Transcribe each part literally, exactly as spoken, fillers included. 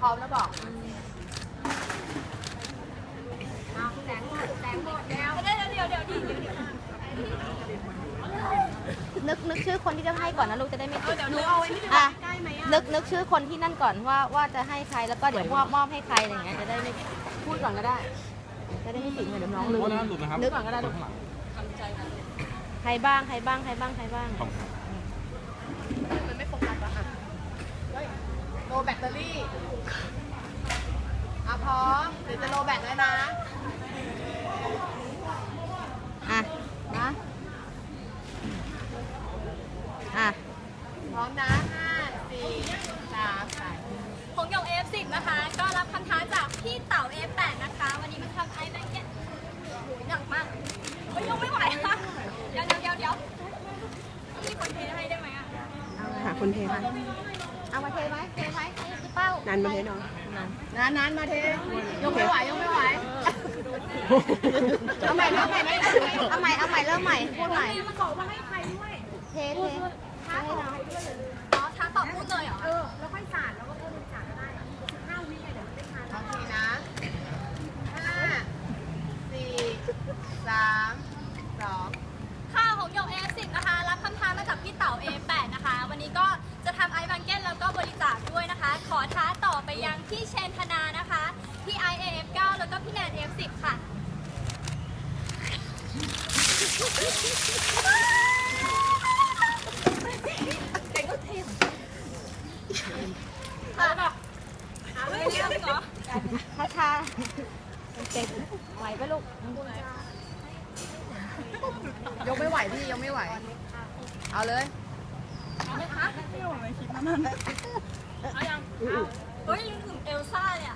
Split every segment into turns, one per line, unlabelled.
ร้อมแล้วบอกแสงหมดแสงหมดแล้วเดี๋ยวเดี๋ยวเดี๋ยวเดี๋ยวเดี๋ยวนึกนึกชื่อคนที่จะให้ก่อนนะลูกจะได้ไม่ติดเดี๋ยวหนูเอาไอ้นี่ไปใกล้ไหมอ่ะนึกนึกชื่อคนที่นั่นก่อนว่าว่าจะให้ใครแล้วก็เดี๋ยวมอบมอบให้ใครอะไรเงี้ยจะได้ไม่พูดก่อนก็ได้จะได้ไม่ติดเดี๋ยวน้องลืมนึกก่อนก็ได้ลูกใครบ้างใครบ้างใครบ้างใครบ้างมันไม่โฟกัสอะค่ะโลแบตเตอรี่อ่ะพร้อมเดี๋ยวจะโลแบตแล้วนะอ่ะนะอ่ะพร้อมนะห้าสี่สามสอง
ของหยก เอ เอฟ สิบ นะคะ ก็รับคำท้าจากพี่เต๋า เอ เอฟ แปด นะคะ วันนี้มาทำไอแบงเก็ตหนักมากไม่ยกไม่ไหวค่ะเดี๋ยวเดี๋ยวเดี๋ยวเดี๋ยวมีคนเทให้ได้ไหมอ่ะ
หาคนเทให้เอามาเทไหมเทไหมพี่เป้านานมาเทน้องนานนานมาเทยกไม่ไหวยกไม่ไหวเอาใหม่เอาใหม่เอาใหม่เอาใหม่เริ่มใหม่พูดใหม่
มาขอมาให้ใครด้วย
เทเท
ท้าต่ออ๋อท้าต่อพูดเลยเหรอ
เออแล้วค่อยสาดแล้วก็เพิ่มสาดก็ได้สิบห้าวิเดี๋ยวไม่ทาน
โอเคนะห้าสี่สามสอง
ค่าของหยก เอ เอฟ สิบ นะคะ รับคำท้ามาจากพี่เต๋า เอ เอฟ แปด นะคะ วันนี้ก็จะทำไอแบงเก็ตแล้วก็บริจาคด้วยนะคะ ขอท้าต่อไปยังพี่เชนธนานะคะพี่ไอ เอ เอฟ เก้า แล้วก็พี่แนน เอ เอฟ สิบ ค่ะเก่งก็เทมค่ะหาไม่เยอะเหรอ
ช้าชาเก่งไหวปะลูกยกไม่ไหวพี่ยกไม่ไหวเอาเลย
เอาไหมคะไม่ไหวคิดนั่นเอายังเฮ้ยลืมถึงเอลซ่าเนี่ย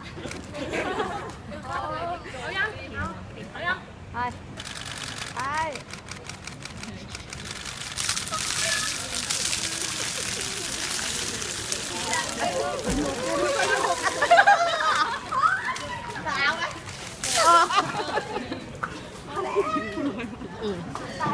เอายังเอาเอายัง
ไปไปสาวไหม